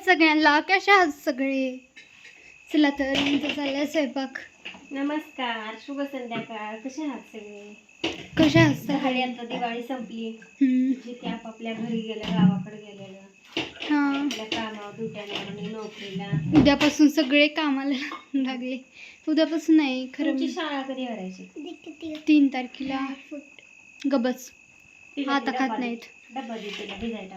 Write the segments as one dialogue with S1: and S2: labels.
S1: सगळ्यांना, कशा आहात सगळे? चला तर आमचा चाललाय स्वयंपाक.
S2: नमस्कार, शुभ संध्याकाळ. कसे आहात सगळे?
S1: कशा आहात सगळे?
S2: झाली आता दिवाळी संपली. जिथे आपापल्या घरी गेलं, गावाकडे गेलेलं,
S1: हा,
S2: आपल्या कामावर ड्युट्याला आणि नोकरीला.
S1: उद्यापासून सगळे कामाला लागले. उद्यापासून नाही खरं,
S2: तुमची शाळा कधी भरायची?
S1: 3 तारखेला. गबस आता खात
S2: डब्बा
S1: नाहीत.
S2: डब्बा देते भिजायला.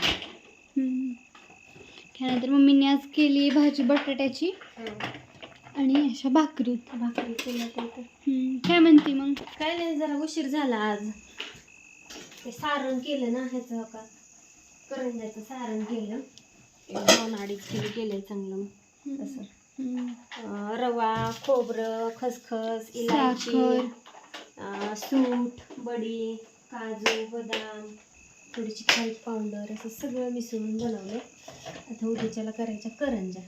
S1: त्यानंतर मम्मीने आज केली भाजी बटाट्याची आणि अशा भाकरी
S2: केल्या तर
S1: काय म्हणते मग?
S2: काय नाही, जरा उशीर झाला आज. ते सारण केलं ना, ह्याचं का करंजाचं सारण केलं. 2-2.5 किलो केलंय चांगलं. तसं रवा, खोबरं, खसखस, इलायची, सूट, बडी, काजू, बदाम, थोडीशी खारीक पावडर, असं सगळं मिसळून बनवलं. आता उद्याच्याला करायच्या करंजा.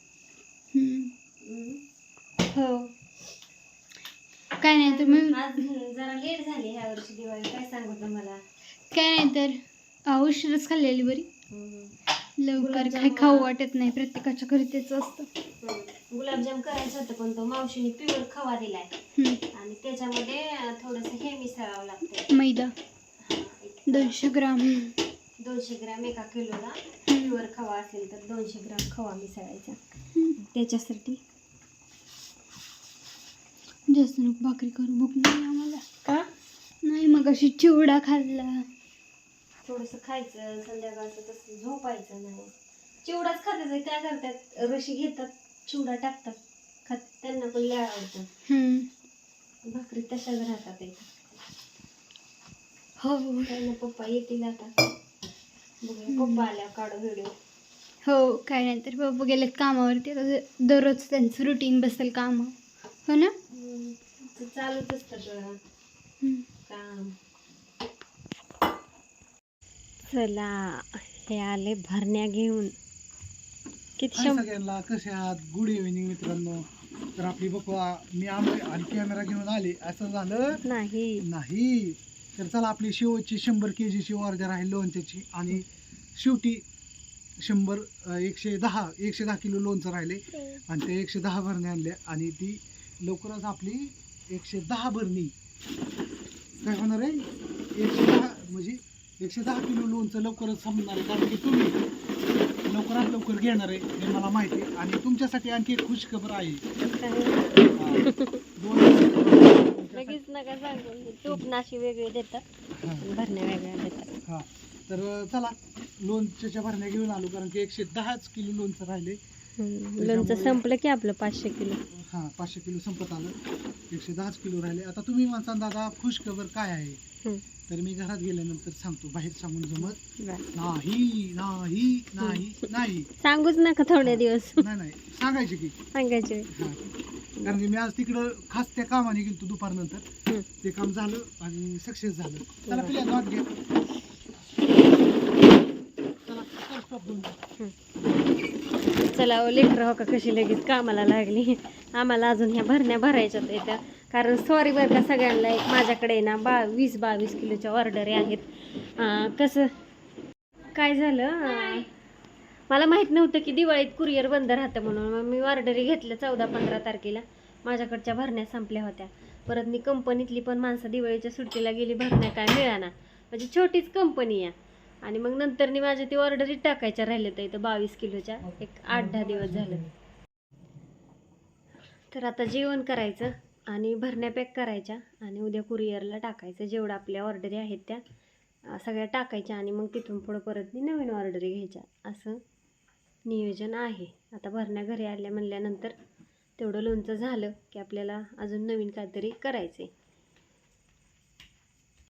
S1: हो, काय नाही तर मग
S2: आज जरा लेट झाली ह्या वर्षी दिवाळी. काय सांगू तुम्हाला?
S1: काय नाही तर उशीरच खाल्लेली बरी. लवकर काही खाऊ वाटत नाही, प्रत्येकाच्या घरी तेच असतं.
S2: गुलाबजाम करायचं होतं, पण तो मावशीने प्युअर खवा दिलाय आणि त्याच्यामध्ये थोडंसं हे मिसळावं लागतं,
S1: मैदा. 200 ग्राम
S2: 200 ग्राम एका किलोला प्युअर खवा असेल तर 200 ग्राम खवा मिसळायचा. त्याच्यासाठी
S1: जास्त नको भाकरी करू, भूक नाही आम्हाला.
S2: का
S1: नाही, मग अशी चिवडा खाल्ला.
S2: थोडंसं खायचं संध्याकाळचं, तसं झोपायचं नाही. चिवडाच खात्याचं काय करतात, रशी घेतात, चिवडा टाकतात, खात. त्यांना पण लय आवडतं. भाकरी तशाच राहतात.
S1: हो,
S2: त्यांना पप्पा येतील आता. बघूया पप्पा आल्यावर काढू व्हिडिओ.
S1: हो, काय नाही तर पप्पा गेलेत कामावरती. आता दररोज त्यांचं रुटीन बसेल काम, हो ना?
S2: चालूच असतं काम. चला, हे आले भरण्या घेऊन. किती
S3: सगळ्यांना कसे आहात? गुड इव्हिनिंग मित्रांनो. तर आपली बघा, मी आलो आणि कॅमेरा घेऊन आले, असं झालं नाही. तर चला, आपली शेवटची 100 kgची ऑर्डर आहे लोणच्याची, आणि शेवटी 110 किलो लोणचं राहिले आणि ते 110 भरण्या आणल्या, आणि ती लवकरच आपली 110 भरणी काय होणार आहे. 110 म्हणजे 110 किलो लोणचं लवकरच संपणार आहे, कारण की तुम्ही लवकरात लवकर घेणार आहे हे मला माहिती आहे. आणि तुमच्यासाठी आणखी एक खुश खबर आहे.
S2: लगेच नका सांगू, तूप नाशी वेगळे देतात, भरण्या वेगळ्या देतात.
S3: हां, तर चला, लोणच्याच्या भरण्या घेऊन आलो, कारण की 110 किलो लोणचं राहिले.
S2: लोणचं संपलं की आपलं 500 किलो.
S3: 500 किलो संपत आलं, 110 किलो राहिले. आता तुम्ही म्हणता, दादा खुश खबर काय आहे? तर मी घरात गेल्यानंतर सांगतो, बाहेर सांगून जमत नाही.
S2: सांगूच नका थोडे दिवस.
S3: नाही सांगायचे की
S2: सांगायचे.
S3: कारण की मी आज तिकडं खास त्या कामाने गेलो दुपारनंतर. ते काम झालं आणि सक्सेस झालं. चला पिल्या भात घ्या.
S2: चला लेकर हो का कशी लगेच कामाला लागली. आम्हाला अजून ह्या भरण्या भरायच्यात येत्या, कारण सॉरी बरं का सगळ्यांना, एक माझ्याकडे ना 20-22 किलोच्या ऑर्डरी आहेत. कसं काय झालं, मला माहीत नव्हतं की दिवाळीत कुरिअर बंद राहतं म्हणून. मग मी ऑर्डरी घेतल्या 14-15 तारखेला. माझ्याकडच्या भरण्या संपल्या होत्या. परत मी कंपनीतली पण माणसं दिवाळीच्या सुट्टीला गेली, भरण्या काय मिळाना. म्हणजे छोटीच कंपनी आहे. आणि मग नंतर माझ्या ती ऑर्डरी टाकायच्या राहिल्या तर इथं 22 किलोच्या, एक 8-10 दिवस झालं. तर आता जेवण करायचं आणि भरण्या पॅक करायच्या आणि उद्या कुरिअरला टाकायचं. जेवढं आपल्या ऑर्डरी आहेत त्या सगळ्या टाकायच्या आणि मग तिथून पुढं परत नवीन ऑर्डरी घ्यायच्या, असं नियोजन आहे. आता भरण्या घरी आल्या म्हणल्यानंतर तेवढं लोणचं झालं की आपल्याला अजून नवीन काहीतरी करायचं आहे.